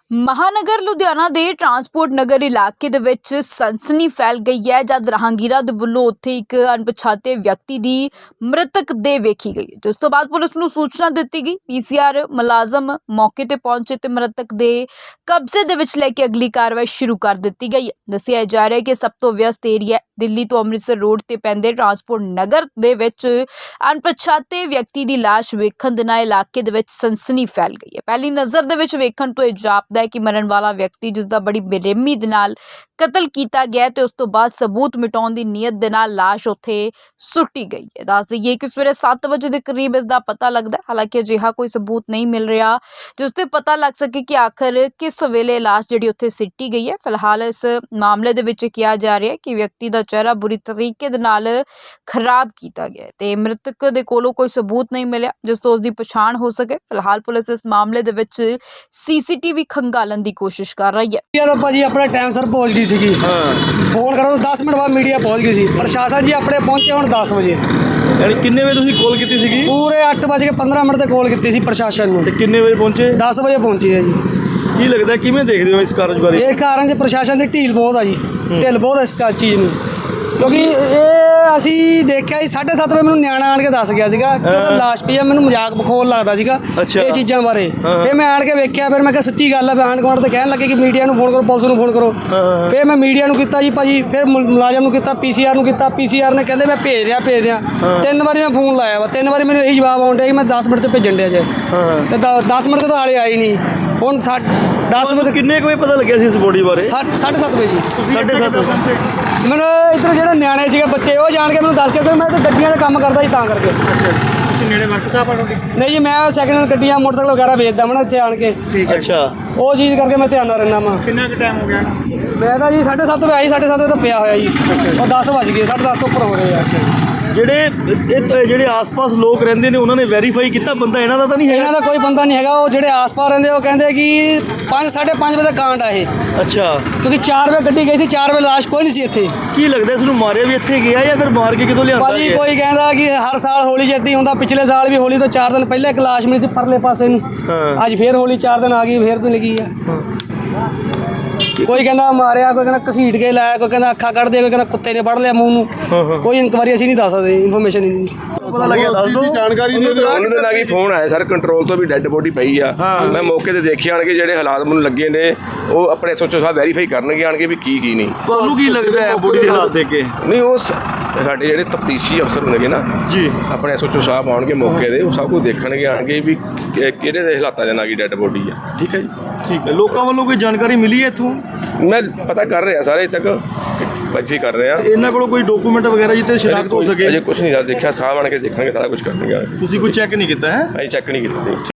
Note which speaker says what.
Speaker 1: महानगर लुधियाना दे ट्रांसपोर्ट नगर इलाके दे विच सनसनी फैल गई है जद राहगीरा दे वल्लों उत्थे एक अणपछाते व्यक्ति दी मृतक देह वेखी गई। जिस तो बाद पुलिस नूं सूचना दित्ती गई। पीसीआर मुलाजम मौके ते पहुंचे ते मृतक दे कब्जे दे विच लैके अगली कार्रवाई शुरू कर दित्ती गई है। दस्सिया जा रहा है कि सब तो व्यस्त एरिया दिल्ली तो अमृतसर रोड ते पैंदे ट्रांसपोर्ट नगर दे विच अणपछाते व्यक्ति दी लाश वेखण दे नाल इलाके दे विच सनसनी फैल गई है। पहली नज़र दे विच वेखण तो ਇਹ ਜਾਪਦਾ है कि मरण वाला व्यक्ति जिसका बड़ी बेरहमी दे नाल कतल किया गया ते उस तो बाद सबूत मिटाउण दी नीयत दे नाल लाश उत्थे सुट्टी गई है। दस दईए कि सवेरे 7 बजे के करीब इसका पता लगता है। हालांकि अजिहा कोई सबूत नहीं मिल रहा जिस ते पता लग सके कि आखिर किस वेले लाश जिहड़ी उत्थे सिट्टी गई है। फिलहाल इस मामले दे विच कहा जा रहा है कि व्यक्ति का चेहरा बुरी तरीके दे नाल खराब किया गया ते मृतक दे कोलों कोई सबूत नहीं मिलिया जिस तो उसकी पछाण हो सके। फिलहाल पुलिस इस मामले दे विच सीसीटीवी खंगालन की कोशिश कर रही है।
Speaker 2: भाजी अपने टाइम सर पहुंच गई सी। फोन करो तो 10 मिनट बाद मीडिया पहुंच गई सी। प्रशासन जी अपने पहुंचे हुण 10 बजे।
Speaker 3: यानी किन्ने बजे तुसीं कॉल की थी?
Speaker 2: पूरे 8:15 ते कॉल की सी प्रशासन नूं।
Speaker 3: किन्ने बजे पहुंचे?
Speaker 2: 10 बजे पहुंची है जी।
Speaker 3: की लगता है किवें देखदे हो इस कारज बारे?
Speaker 2: ये कारण च प्रशासन की ढील बहुत है जी। ढिल बहुत इस चीज़ में क्योंकि ये असी देखा जी 7:30 बजे मैंने न्याणा आण के दस गया सीगा कि लाश पई है। मैंने मजाक बखोल लगता सीगा ये चीज़ों बारे। फिर मैं आण के वेख्या फिर मैं कहा सच्ची गल है। आंढ गुआंढ तो कहन लगे कि मीडिया फोन करो पुलिस नूं फोन करो। फिर मैं मीडिया नूं कीता जी भाजी। फिर मुलाजम नूं कीता पीसीआर नूं कीता। पीसीआर ने कहते मैं भेज रहा 3 बारी मैं फोन लाया वा 3 बारी मैंने यही जवाब आउण दिया कि मैं 10 मिनट भेजन दिया जाए तो 10 मिनट तो हाले आई नहीं। हुण 10 बजे
Speaker 3: किन्ने बजे पता लग्या सी इस बॉडी बारे?
Speaker 2: 7:30 बजे जी।
Speaker 3: 7:30
Speaker 2: मैंने इधर जो न्याणे सीगे बच्चे वो जान के मैंने दस के मैं तो गड्डियां का काम करता जी तां करके। नहीं जी मैं सैकंड हैंड गड्डियां मोटरसाइकिल वगैरह बेचदा मैं इत्थे आण के।
Speaker 3: अच्छा
Speaker 2: वो चीज़ करके मैं ध्यान रहना वा।
Speaker 3: कितना टाइम हो गया?
Speaker 2: मैं तो जी 7:30 बजे आई 7:30 बजे तो पिया होया जी और 10 बज गए 10:30 तो ऊपर हो रहे हैं।
Speaker 3: ਜਿਹੜੇ ਆਸ-ਪਾਸ ਲੋਕ ਰਹਿੰਦੇ ਨੇ ਉਹਨਾਂ ਨੇ ਵੈਰੀਫਾਈ ਕੀਤਾ ਬੰਦਾ ਇਹਨਾਂ ਦਾ ਤਾਂ ਨਹੀਂ ਹੈ?
Speaker 2: ਇਹਨਾਂ ਦਾ ਕੋਈ ਬੰਦਾ ਨਹੀਂ ਹੈਗਾ। ਉਹ ਜਿਹੜੇ ਆਸ-ਪਾਸ ਰਹਿੰਦੇ ਉਹ ਕਹਿੰਦੇ ਕਿ 5-5:30 ਵਜੇ ਦਾ ਕਾਂਡ ਆ ਇਹ।
Speaker 3: ਅੱਛਾ
Speaker 2: ਕਿਉਂਕਿ 4 ਵਜੇ ਗੱਡੀ ਗਈ ਸੀ 4 ਵਜੇ ਲਾਸ਼ ਕੋਈ ਨਹੀਂ ਸੀ ਇੱਥੇ।
Speaker 3: ਕੀ ਲੱਗਦਾ ਇਸ ਨੂੰ ਮਾਰਿਆ ਵੀ ਇੱਥੇ ਗਿਆ ਜਾਂ ਫਿਰ ਮਾਰ ਕੇ ਕਿਤੋਂ ਲਿਆਂਦਾ?
Speaker 2: ਭਾਜੀ ਕੋਈ ਕਹਿੰਦਾ ਕਿ ਹਰ ਸਾਲ ਹੋਲੀ ਜਿੱਦਾਂ ਹੀ ਹੁੰਦਾ। ਪਿਛਲੇ ਸਾਲ ਵੀ ਹੋਲੀ ਤੋਂ 4 ਦਿਨ ਪਹਿਲਾਂ ਇੱਕ ਲਾਸ਼ ਮਿਲੀ ਸੀ ਪਰਲੇ ਪਾਸੇ ਨੂੰ। ਅੱਜ ਫੇਰ ਹੋਲੀ 4 ਦਿਨ ਆ ਗਈ ਫੇਰ ਮਿਲ ਗਈ ਆ। ਕੋਈ ਕਹਿੰਦਾ ਮਾਰਿਆ ਕੋਈ ਕਹਿੰਦਾ ਘਸੀਟ ਕੇ ਲਾਇਆ ਕੋਈ ਕਹਿੰਦਾ ਅੱਖਾਂ ਕੱਢ ਦੇ ਕੋਈ ਕਹਿੰਦਾ ਕੁੱਤੇ ਨੇ ਫੜ ਲਿਆ ਮੂੰਹ ਨੂੰ। ਕੋਈ ਇਨਕੁਆਰੀ ਅਸੀਂ ਨਹੀਂ ਦੱਸ ਸਕਦੇ ਇਨਫੋਰਮੇਸ਼ਨ ਹੀ ਨਹੀਂ
Speaker 3: ਪਤਾ ਲੱਗਿਆ। ਦੱਸ ਦਿਓ ਜਾਣਕਾਰੀ ਦੇ ਦਿਓ।
Speaker 4: ਉਹਨਾਂ ਦੇ ਨਾਲ ਹੀ ਫੋਨ ਆਇਆ ਸਰ ਕੰਟਰੋਲ ਤੋਂ ਵੀ ਡੈੱਡ ਬੋਡੀ ਪਈ ਆ। ਮੈਂ ਮੌਕੇ ਤੇ ਦੇਖਿਆ ਆਣ ਕੇ ਜਿਹੜੇ ਹਾਲਾਤ ਮੈਨੂੰ ਲੱਗੇ ਨੇ ਉਹ ਆਪਣੇ ਐਸਓਚਓ ਸਾਹਿਬ ਵੈਰੀਫਾਈ ਕਰਨਗੇ ਆਣ ਕੇ ਵੀ ਕੀ ਨਹੀਂ।
Speaker 3: ਤੁਹਾਨੂੰ ਕੀ ਲੱਗਦਾ ਹੈ ਬੋਡੀ ਦੇ ਹਾਲਾਤ ਦੇਖ ਕੇ?
Speaker 4: ਨਹੀਂ ਉਹ ਸਾਡੇ ਜਿਹੜੇ ਤਫਤੀਸ਼ੀ ਅਫਸਰ ਹੁੰਦੇ ਨਾ
Speaker 3: ਜੀ ਆਪਣੇ
Speaker 4: ਐਸਓਚਓ ਸਾਹਿਬ ਆਉਣਗੇ ਮੌਕੇ ਦੇ ਉਹ ਸਭ ਕੁਝ ਦੇਖਣਗੇ ਆਣ ਕੇ ਵੀ ਕਿਹੜੇ ਦੇ ਹਾਲਾਤਾਂ ਦੇ ਨਾਲ ਕੀ ਡੈੱਡ ਬੋਡੀ ਆ। ਠੀਕ ਹੈ ਜੀ
Speaker 3: ਠੀਕ ਹੈ। ਲੋਕਾਂ ਵੱਲੋਂ ਕੋਈ ਜਾਣਕਾਰੀ ਮਿਲੀ ਹੈ ਇੱਥੋਂ?
Speaker 4: ਮੈਂ ਪਤਾ ਕਰ ਰਿਹਾ ਸਾਰੇ ਤੱਕ ਵੈਰੀਫਾਈ ਕਰ ਰਿਹਾ।
Speaker 3: ਇਹਨਾਂ ਕੋਲੋਂ ਕੋਈ ਡਾਕੂਮੈਂਟ ਵਗੈਰਾ ਜਿੱਤੇ ਸ਼ਨਾਖਤ ਹੋ ਸਕੇ?
Speaker 4: ਅਜੇ ਕੁਝ ਨਹੀਂ ਸਰ ਦੇਖਿਆ ਸਾਹਿਬ ਆਣ ਕੇ ਦੇਖਣਗੇ ਸਾਰਾ ਕੁਝ ਕਰਨਗੇ।
Speaker 3: ਤੁਸੀਂ ਕੋਈ ਚੈੱਕ ਨਹੀਂ ਕੀਤਾ ਹੈ?
Speaker 4: ਅਸੀਂ ਚੈੱਕ ਨਹੀਂ ਕੀਤਾ।